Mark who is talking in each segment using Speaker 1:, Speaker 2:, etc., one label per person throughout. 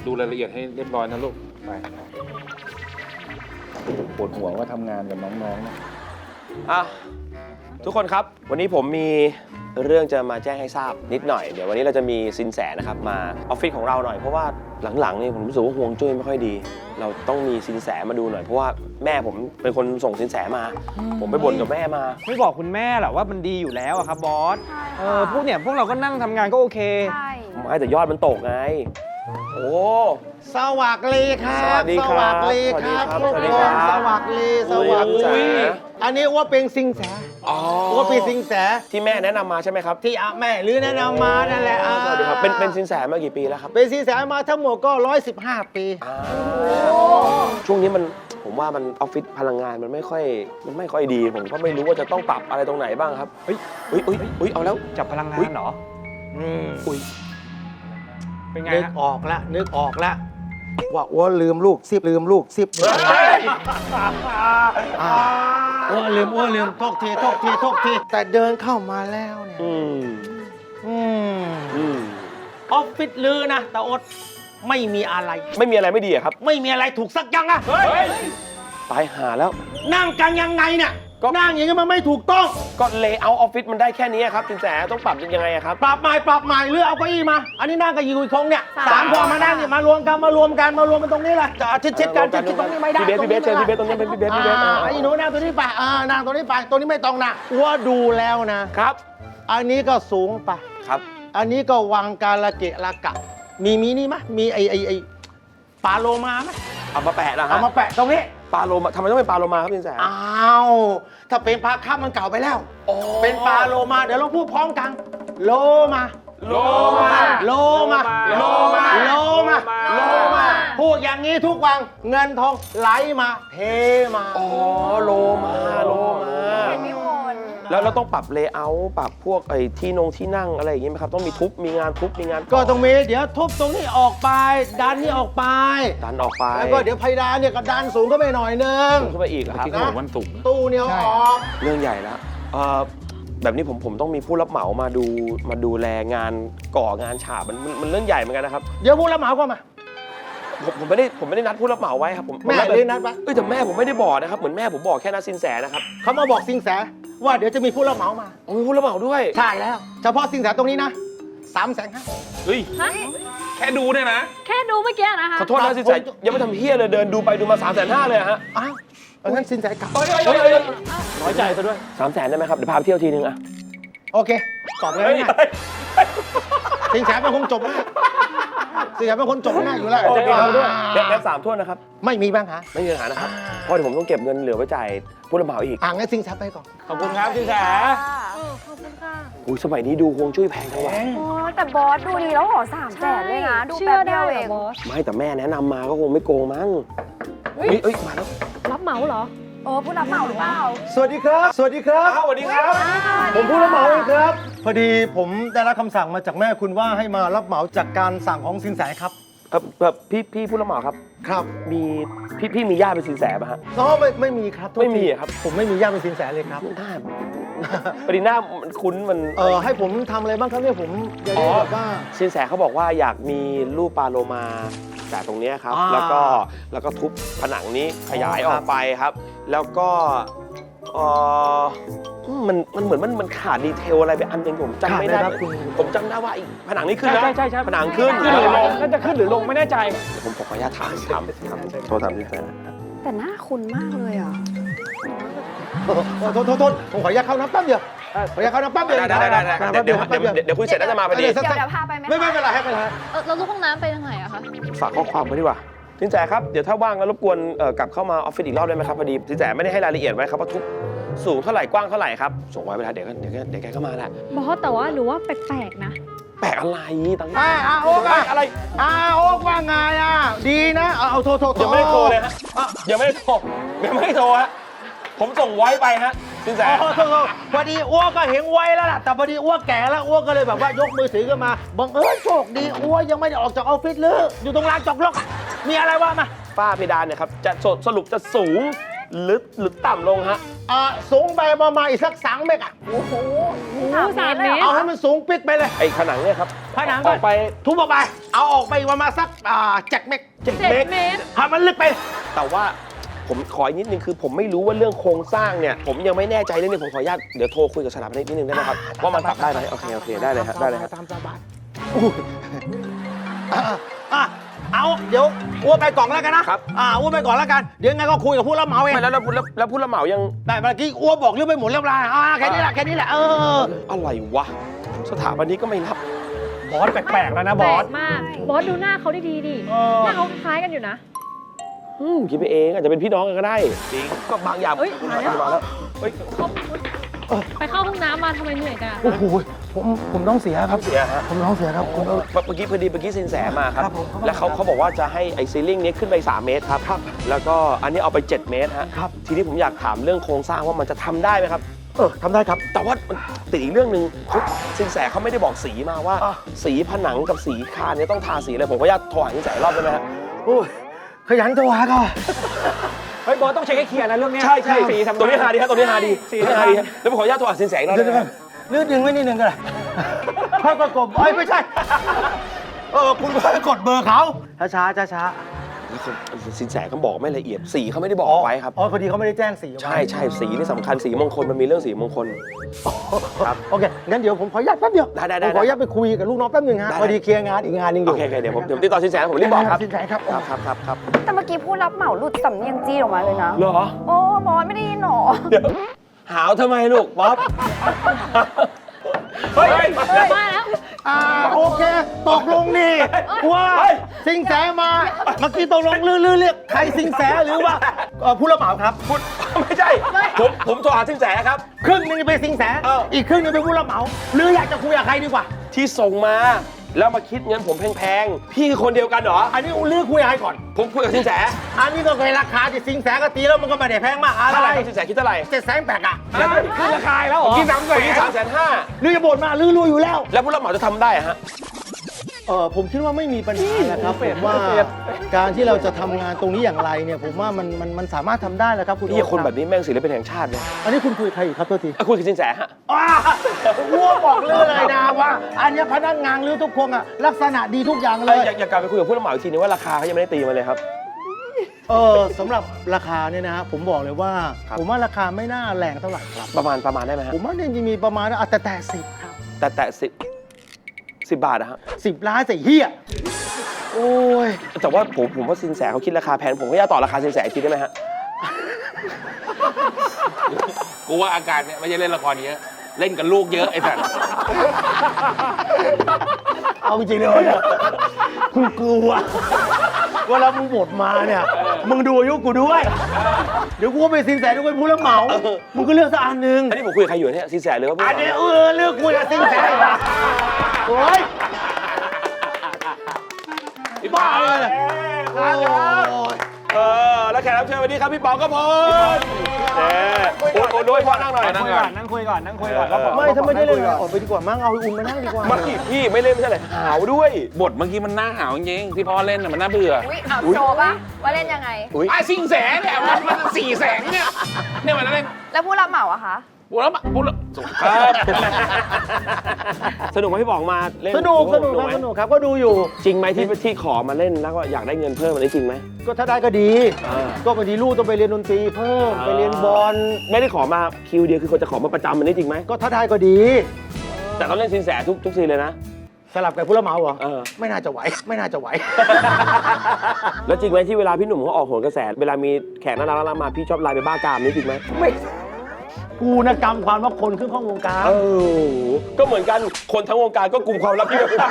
Speaker 1: ดูรายละเอียดให้เรียบร้อยนะลูกไปปวดหัวว่าทำงานกับน้องๆนะ
Speaker 2: ทุกคนครับวันนี้ผมมีเรื่องจะมาแจ้งให้ทราบนิดหน่อยเดี๋ยววันนี้เราจะมีสินแสนะครับมาออฟฟิศของเราหน่อยเพราะว่าหลังๆนี่ผมรู้สึกว่าห่วงจุ้ยไม่ค่อยดีเราต้องมีสินแสมาดูหน่อยเพราะว่าแม่ผมเป็นคนส่งสินแสมาผมไปบ่นกับแม่มา
Speaker 3: ไม่บอกคุณแม่หรอว่ามันดีอยู่แล้วอะครับบอสพวกเราก็นั่งทำงานก็โอเค
Speaker 4: ใช่
Speaker 2: ไม่แต่ยอดมันตกไงโอ้
Speaker 5: สวัสดีครับ
Speaker 2: สวัสดีครับ
Speaker 5: สวัสดีครับ
Speaker 2: สวัสดีครับ
Speaker 5: สวัสดีสวัสดีอันนี้ว่าเป็นสิงแสว่าเป็นสิงแส
Speaker 2: ที่แม่แนะนำมาใช่ไหมครับ
Speaker 5: ที่แม่หรือแนะนำมานั่นแหละ
Speaker 2: สวัสดีครับเป็นสินแสมากี่ปีแล้วครับ
Speaker 5: เป็นสิงแสมาทั้งหมดก็115 ปี
Speaker 2: ช่วงนี้ผมว่ามันออฟฟิศพลังงานมันไม่ค่อยดีผมก็ไม่รู้ว่าจะต้องปรับอะไรตรงไหนบ้างครับเฮ้ยเอาแล้ว
Speaker 3: จับพลังงานเหรอ
Speaker 2: อุ้ย
Speaker 3: เป็นไง
Speaker 5: นึกออกละว่าอ้วลืมลูกซิบอ้วลืมโทษทีแต่เดินเข้ามาแล้วเนี่ยออฟฟิศลือนะแต่อดไม่มีอะไร
Speaker 2: ไม่ดีอะครับ
Speaker 5: ไม่มีอะไรถูกสักอย่างอะ
Speaker 2: ตายหาแล้ว
Speaker 5: นั่งกันยังไงเนี่ยนั่งอย่างนี้มันไม่ถูกต้อง
Speaker 2: ก็เลเยอร์ออฟฟิศมันได้แค่นี้ครับสินแสต้องปรับยังไงครับ
Speaker 5: ปรับใหม่หรือเอาเก้าอี้มาอันนี้นั่งกันอยู่อีกคงเนี่ย3 พอมานั่งเนี่ยมารวมกันตรงนี้แหละชิดกันตรงนี้ไม่ได้
Speaker 2: พี่เบสเชิญพี่เบสตรงนี้เป็นพี่เบส
Speaker 5: ไอ้หนูนั่งตัวนี้ไปนั่งตัวนี้ไปตัวนี้ไม่ต้องนะว่าดูแล้วนะครับอันนี้ก็สูงไป
Speaker 2: ครับ
Speaker 5: อันนี้ก็วังกาลเกะละกะมีนี่มั้ยมีไอ้ปลาโลมามั้ย
Speaker 2: เอามาแปะนะฮะ
Speaker 5: เอามาแปะตรงนี้
Speaker 2: ปลาโลมาทำไมต้องเป็นปลาโลมาครับสินแส
Speaker 5: อ้าวถ้าเป็นปลาคับมันเก่าไปแล้วเป็นปลาโลมาเดี๋ยวเราพูดพร้อมกันโลมาพูดอย่างนี้ทุกวันเงินทองไหลมาเทมา
Speaker 2: โลมาแล้วเราต้องปรับเลเยอร์ปรับพวกไอ้ที่นั่งอะไรอย่างงี้ไหมครับต้องมีทุบมีงาน
Speaker 5: ก็ต้องมีเดี๋ยวทุบตรงนี้ออกไปดันนี่ออกไปแล้วก็เดี๋ยวเพดานเนี่ยก็ดันสูงขึ้นไปหน่อยนึง
Speaker 2: ขึ้นไปอีกครับ
Speaker 1: ที่วันสูง
Speaker 5: ตู้เนี่ยออก
Speaker 2: เรื่องใหญ่แล้วแบบนี้ผมต้องมีผู้รับเหมามาดูแลงานก่องานฉาบมันเรื่องใหญ่เหมือนกันนะครับ
Speaker 5: เดี๋ยวผู้รับเหมาก็มา
Speaker 2: ผมไม่ได้นัดผู้รับเหมาไว้ครับผม
Speaker 5: แม่เลยนัดปะ
Speaker 2: แต่แม่ผมไม่ได้บอกนะครับเหมือนแม่ผมบอกแค่นัดสินแสนะครับ
Speaker 5: เขามาบอกสินแสว่าเดี๋ยวจะมีผู้รับเหมามา
Speaker 2: มีผู้รับเหมาด้วย
Speaker 5: ใช่แล้วเฉพาะสินแสตรงนี้นะ300,000
Speaker 1: เฮ้ยแค่ดูเนี่ยนะ
Speaker 4: แค่ดูเมื่อกี้นะคะ
Speaker 2: ขอโทษนะสินแสยังไม่ทำเฮี้ยเลยเดินดูไปดูมา350,000เลยฮะ
Speaker 5: อ้าวงั้นสินแสกลับ
Speaker 2: น้อยใจซะด้วย300,000ได้ไหมครับเดี๋ยวพาไปเที่ยวทีนึงอะ
Speaker 5: โอเคตอบเลยง่ายสินแสเป็นคนจบนะสินแสเป็นคนจบง่ายอยู่แล้ว
Speaker 2: ด้วยแล้ว3 ถ้วนนะครับ
Speaker 5: ไม่มีปัญหา
Speaker 2: นะครับเพราะเดี๋ยวผมต้องเก็บเงินเหลือไว้จ่ายผู้รับเหมาอีก
Speaker 5: งั้นสินแสไปก่อน
Speaker 3: ขอบคุณครับสินแส
Speaker 4: ขอบคุณค่ะ
Speaker 2: อุ้ยสมัยนี้ดูฮวงจุ้ยแพงจังวะ
Speaker 4: แต่บอสดูดีแล้วขอ300,000เลยนะดูแป๊บเดียวเอง
Speaker 2: ไม่แต่แม่แนะนำมาก็คงไม่โกงมั้งมาแล้ว
Speaker 4: รับเหมาเหรอผู้รับเหมาหรือเปล่า
Speaker 5: สวัสดีครับ
Speaker 2: สวัสดีครับ
Speaker 5: ผมผู้รับเหมาเองครับพอดีผมได้รับคำสั่งมาจากแม่คุณว่าให้มารับเหมาจากการสั่งของสินแสครับ
Speaker 2: พี่ผู้รับเหมาครับ
Speaker 5: ครับ
Speaker 2: มีพี่มีญาติเป็นสินแสป่ะฮะ
Speaker 5: ไม่มีครับ
Speaker 2: ไม่มีครับ
Speaker 5: ผมไม่มีญาติเป็นสินแสเลยครับ
Speaker 2: พอดีหน้ามันคุ้นมัน
Speaker 5: ให้ผมทำอะไรบ้างครับเนี่ยผมจะได้แบบว่า
Speaker 2: สินแสเขาบอกว่าอยากมีรูปปลาโลมาจากตรงนี้ครับแล้วก็ทุบผนังนี้ขยายออกไปครับแล้วก็มันเหมือนมันขาดดีเทลอะไรไปอันนึงผมจำไม่ได้ผมจำได้ว่าผนังนี้ขึ้นนะ
Speaker 3: ใช่
Speaker 2: ผนังขึ้น
Speaker 3: หรือลงน่าจะขึ้นหรือลงไม่แน่ใจ
Speaker 2: ผมขออนุญาตถามโทษถามที่แฟน
Speaker 4: แต่หน้าคุ้นมากเลยอ่ะ
Speaker 5: โทษผมขออนุญาตเข้าน้ำแป๊บเดียวขออนุญาตเข้าน้ำแป๊บเดียว
Speaker 2: ได้เดี๋ยวคุยเสร็จแล้วจะมาพอดี
Speaker 4: เดี๋ยวพาไปไหม
Speaker 5: ไม่เป็นไรครับ
Speaker 4: เราลูกห้องน้ำไปทางไหนอะคะ
Speaker 2: ฝากข้อความไว้ดีกว่าสินแสครับเดี๋ยวถ้าว่างแล้วรบกวนกลับเข้ามาออฟฟิศอีกรอบได้ไหมครับพอดีสินแสไม่ได้ให้รายละเอียดไว้ครับว่าทุกสูงเท่าไหร่กว้างเท่าไหร่ครับส่งไว้เวลาเดี๋ยวแกก็มาแหละ
Speaker 4: บอสแต่ว่าหรือว่าแปลกๆนะ
Speaker 2: แปลกอะไรตั้ง
Speaker 5: โอ๊กอะไรโอ๊กว่าไงดีนะเอาโทร
Speaker 2: ยังไม่ได้โทรเลยฮะยังไม่ได้โทรฮะผมส่งไว้ไปฮะสินแส
Speaker 5: พอดีอ้วกก็เห็นไว้แล้วล่ะแต่พอดีอ้วกแก่แล้วอ้วกก็เลยแบบว่ายกมือถือขึ้นมาบังเอิญโชคดีอ้วกยังไม่ได้ออกจากออฟฟิศเลยอยู่ตรงลานจอดรถมีอะไรวะมา
Speaker 2: ฝ้าเพดานเนี่ยครับจะสรุปจะสูงหรือต่ำลงฮะ
Speaker 5: สูงไปประมาณอีกสัก3 เมตรอ่ะ
Speaker 4: โอ้โห
Speaker 6: 3 เมตร
Speaker 5: เอาให้มันสูงปิดไปเลย
Speaker 2: ไอ้ผนังเนี่ยครับ
Speaker 5: ผนัง
Speaker 2: ออกไป
Speaker 5: ทุบออกไป เอาออกไปประมาณสัก7 เมตร
Speaker 6: 7 เมตร
Speaker 5: ให้มันลึกไป
Speaker 2: แต่ว่าผมขออีกนิดนึงคือผมไม่รู้ว่าเรื่องโครงสร้างเนี่ยผมยังไม่แน่ใจเรื่องนี้ผมขออนุญาตเดี๋ยวโทรคุยกับสถาปนิกนิดนึงได้ไหมครับว่ามันปรับได้ไหมโอเคได้เลยครับได้เลยครับ
Speaker 5: ตามสบายเอาเดี๋ยวอ้วนไปก่อนแล้วกันนะครับ อ้วนไปก่อนแล้วกันเดี๋ยวไงก็คุยกับผู้รับเหมาเอง
Speaker 2: ไม่แล้วผู้รับเหมายัง
Speaker 5: แต่เมื่อกี้อ้วนบอกเรื่องไปหมดเรียบร้อยแค่นี้แหละ
Speaker 2: อะไรวะสถาปนิกก็ไม่รับบ
Speaker 3: อสแปลกๆแล้วนะบ
Speaker 6: แปล
Speaker 3: อส
Speaker 6: กมาก บอสดูหน้าเขาดีดิ หน้าเขาคล้ายกันอยู่นะ
Speaker 2: คิดไปเองอาจจะเป็นพี่น้องกันก็ได้จริงก็บางอย่าง
Speaker 6: เอ้ยมาแล้ว
Speaker 2: มาแล้วเฮ้ย
Speaker 6: ไปเข้าห้องน้ำมาทำไมเหนื่อยจังอะ
Speaker 5: โอ้โหผมต้องเสียครับ
Speaker 2: เสียฮะ
Speaker 5: ผมต้องเสียครับคุณ
Speaker 2: เมื่อกี้สินแสมาครับ
Speaker 5: ครับผม
Speaker 2: แล้วเขาบอกว่าจะให้ไอ้ซีลิ่งนี้ขึ้นไป3 เมตรครับแล้วก็อันนี้เอาไป7 เมตรฮะ
Speaker 5: ครับ
Speaker 2: ทีนี้ผมอยากถามเรื่องโครงสร้างว่ามันจะทำได้ไหมครับ
Speaker 5: ทำได้ครับ
Speaker 2: แต่ว่ามันติดอีกเรื่องหนึ่งสินแสเขาไม่ได้บอกสีมาว่า
Speaker 5: อ่ะ
Speaker 2: สีผนังกับสีคานเนี่ยต้องทาสีอะไรผมก็อยากโทรหาสินแสรอบได้ไหมฮะ
Speaker 5: โอ้ยขยันตัวหาก็
Speaker 3: เฮ้ยบอสต้องเช็คให้เคลียร์นะเรื่องเนี้ย
Speaker 2: ใช่
Speaker 3: สีทำ
Speaker 2: ตัวนี้หาดีครับตัวนี้หาดี
Speaker 3: สี
Speaker 2: ตัวนี้
Speaker 3: ทำ
Speaker 2: หาดีครับแล้วผมขออนุญาตโทรหาสินแสอีกรอบได้ไหมครับ
Speaker 5: เลือดดึงไว้นิดนึงก็ได้ค่อยๆกดไม่ใช่คุณค่อยๆกดเบอร์เขาช้า
Speaker 2: แล้วสินแสเขาบอกไม่ละเอียดสีเขาไม่ได้บอกไว้ครับ
Speaker 5: พอดีเขาไม่ได้แจ้งสี
Speaker 2: ใช่สีนี่สำคัญสีมงคลมันมีเรื่องสีมงคล ครับ
Speaker 5: โอเคงั้นเดี๋ยวผมขออนุญาตแป๊บเดียว
Speaker 2: ได้
Speaker 5: ผมขออนุญาตไปคุยกับลูกน้องแป๊บนึงฮะ
Speaker 2: ได้
Speaker 5: พอดีเคลียร์งานอีกงานหนึงอ
Speaker 2: โอยู่ เคเดี๋ยวผมติดต่อสินแสผมรีบบอกครับ
Speaker 5: สินแสครับ
Speaker 2: ครับ
Speaker 4: แต่เมื่อกี้ผู้รับเหมาหลุดสำเนียงจีนออกมาเลยนะ
Speaker 2: เหรอ
Speaker 4: โอ้บอสไม่ได้ยินหรอ
Speaker 2: เดี๋ยวหาวทำไมลูกป๊อปเฮ้ย
Speaker 6: มาแล้ว
Speaker 5: โอเคตกลงนี่ว่าสิงแสมาเมื่อกี้ตกลงลือเรียกใครสิงแสหรือว่าผู้รับเหมาครับ
Speaker 2: พูดไม่ใช่ผมโทรหาสินแสครับ
Speaker 5: ครึ่งหนึงเป็นสิงแส อีกครึ่งหนึงเป็นผู้รับเหมาหรืออยากจะคุยกับใครดีกว่า
Speaker 2: ที่ส่งมาแล้วมาคิดเงินผมแพงๆพี่คือคนเดียวกันเหรอ
Speaker 5: อันนี้ลือคุยกับใครก่อน
Speaker 2: ผมคุยกับสินแส
Speaker 5: อันนี้ก็เคยราคาที่สิงแสก็ตีแล้วมันก็ไม่ได้แพงมากอะไร
Speaker 2: เท่าไหร่ครับสินแสคิดเท่าไหร่
Speaker 5: 700,000อ่ะ
Speaker 3: ขึ้นราคาแล้วเหรอ
Speaker 2: ผมคิด350,000
Speaker 5: ลือจะบ่นมาลือรู้อยู่แล้ว
Speaker 2: แล้วผู้รับเหมาจะทำได้อะฮะ
Speaker 5: ผมคิดว่าไม่มีปัญหานะครับผมว่าการที่เราจะทำงานตรงนี้อย่างไรเนี่ยผมว่ามันสามารถทำได้แล้วครับคุณ
Speaker 2: พี่คน
Speaker 5: โอ๊ต
Speaker 2: แบบนี้แม่งศิลปินแห่งชาติเลย
Speaker 5: อันนี้คุณคุยกับใครอยู่ครับตัวที
Speaker 2: คุยกับสินแสฮะ
Speaker 5: วัวบอกลือเลยนะว่า อันนี้พนักงานลือทุกคนอ่ะลักษณะดีทุกอย่างเลย
Speaker 2: อยากกลับไปคุยกับผู้รับเหมาอีกทีนึงว่าราคาเขายังไม่ได้ตีมาเลยครับ
Speaker 5: สำหรับราคาเนี่ยนะฮะผมบอกเลยว่า
Speaker 2: ครับ
Speaker 5: ผมว่าราคาไม่น่าแรงเท่าไหร่ครับ
Speaker 2: ประมาณได้ไหมฮะ
Speaker 5: ผมว่าเนี่ยจะมีประมาณแต่10ครับ
Speaker 2: แต่10 บาทนะฮะ
Speaker 5: 10 ล้านใส่เฮียโอ้ย
Speaker 2: แต่ว่าผมว่าสินแสเขาคิดราคาแพงผมก็อยากต่อราคาสินแสอีกทีได้ไหมฮะ
Speaker 1: กูว่าอาการเนี่ยไม่ใช่เล่นละครเยอะ เล่นกับลูกเยอะไอ้สัตว์
Speaker 5: เอาจริงๆเลยเนี่ยกูกลัวเวลามึงบทมาเนี่ยมึงดูอายุกูด้วย เดี๋ยวกูก็ไปสินแสด้วยผู้รับเหมามึงก็เลือกสักอันหนึ่ง
Speaker 2: อันนี้ผมคุยกับใครอยู่เนี่ยสินแสหรือว่าผู้
Speaker 5: อั
Speaker 2: รับ
Speaker 5: น
Speaker 2: เหมา
Speaker 5: นี้เลือกคุยกับสินแสอีกละโอ้ยบ้าเลยโอ้ย
Speaker 2: แล้วแขกรับเชิญวันนี้ครับพี่ป๋องกพลโอ้ด้วยพ่อนั่งหน่อย
Speaker 3: นั่งคุยก่อนแล้วบอก
Speaker 5: ไม่ถ้าไม่ได้เล่นออกไปดีกว่ามั้งเอาอุ่นมานั่งดีกว่า
Speaker 2: มาพี่ไม่เล่นไม่ใช่เหรอหาวด้วย
Speaker 1: บทเมื่อกี้มันน่าหาวจริงๆที่พ่อเล่นน่ะมันน่าเบื่อ
Speaker 4: อุ้ยเอาโชว์ปะว่าเล่นยังไง
Speaker 2: อุ๊ย
Speaker 1: ไอ้สิงแสเนี่ยมัน4 แสงเนี่ยมันเล่น
Speaker 4: แล้วผู้รับเหมาอะคะ
Speaker 1: พูดแล้วสงคราม
Speaker 2: สนุกไหมพี่ป๋องมาเล่น
Speaker 5: สนุกครับ
Speaker 2: ไหม
Speaker 5: สนุกครับก็ดูอยู่
Speaker 2: จริงไหมที่ขอมาเล่นแล้วก็อยากได้เงินเพิ่มอันนี้จริงไหม
Speaker 5: ก็ถ้าได้ก็ดี ก็บางทีลูกต้องไปเรียนดนตรีเพิ่มไปเรียนบอล
Speaker 2: ไม่ได้ขอมาคิวเดียวคือคนจะขอมาประจำอันนี้จริงไหม
Speaker 5: ก็ถ้าได้ก็ดี
Speaker 2: แต่ต้องเล่นสินแสทุกซีนเลยนะ
Speaker 5: สลับกับผู้รับเหมาเหรอ ไม่น่าจะไหว
Speaker 2: แล้วจริงไหมที่เวลาพี่หนุ่มเขาออกโหนกระแสเวลามีแขกน่ารักมาพี่ชอบไลน์ไปบ้ากามนี่จริงไหม
Speaker 5: ไม่กูนะกรรมความว่าคนขึ้นข้องวงการ
Speaker 2: ก็เหมือนกันคนทั้งวงการก็กลุ่มความลับพี่แบบ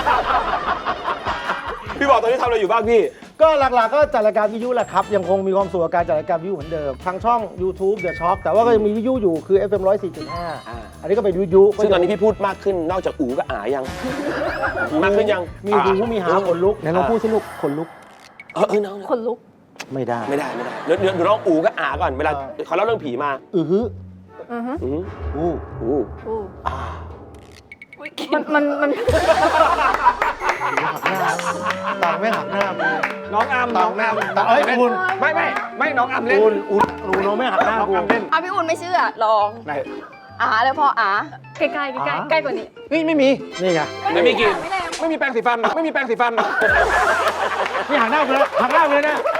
Speaker 2: พี่บอกตอนนี้ทำอะไรอยู่บ้างพี่
Speaker 5: ก็หลักๆก็จัดรายการวิทยุแหละครับ ยังคงมีความสุขกับการจัดรายการวิทยุเหมือนเดิมทางช่อง YouTube The Shock แต่ว่าก็ยังมีวิทยุอยู่คือ FM 104.5 อันนี้ก็เป็นวิทยุ
Speaker 2: ซึ่งตอนนี้พี่พูดมากขึ้นนอกจากอูก็อายังมากขึ้นยัง
Speaker 5: มีหูมีหาขนลุกไหนลองพูดสิลูกขนลุก
Speaker 2: น้อง
Speaker 6: คนลุก
Speaker 5: ไม่ได้
Speaker 2: ไม่ได้เดี๋ยวน้องอูก็อาก่อนเวลาเขาเล่าเรื่องผีมา
Speaker 5: อือฮึ
Speaker 4: อือฮึ
Speaker 5: อู้
Speaker 6: อู้
Speaker 5: อ่า
Speaker 4: มัน
Speaker 5: หักหน้าต่างไม่หักหน้ามึง
Speaker 3: น้องอาม
Speaker 5: ต่างแม่ต่างเอ้ยคุณ
Speaker 3: ไม่น้องอามเล่น
Speaker 5: อุ่นลองไม่หักหน้ากู
Speaker 4: พี่อุ่นไม่เชื่อลอง
Speaker 5: ไหน
Speaker 4: เลยพ่อ
Speaker 6: ใกล้ๆใกล้ๆใกล้กว่านี้
Speaker 3: นี่ไม่มี
Speaker 5: นี่ไง
Speaker 1: ไม่มีกลิ่น
Speaker 4: ไม่แรง
Speaker 3: ไม่มีแปรงสีฟัน ไม่มีแปรงสีฟัน
Speaker 5: นี่หักหน้ากูเลยหักหน้ากูเลยนะ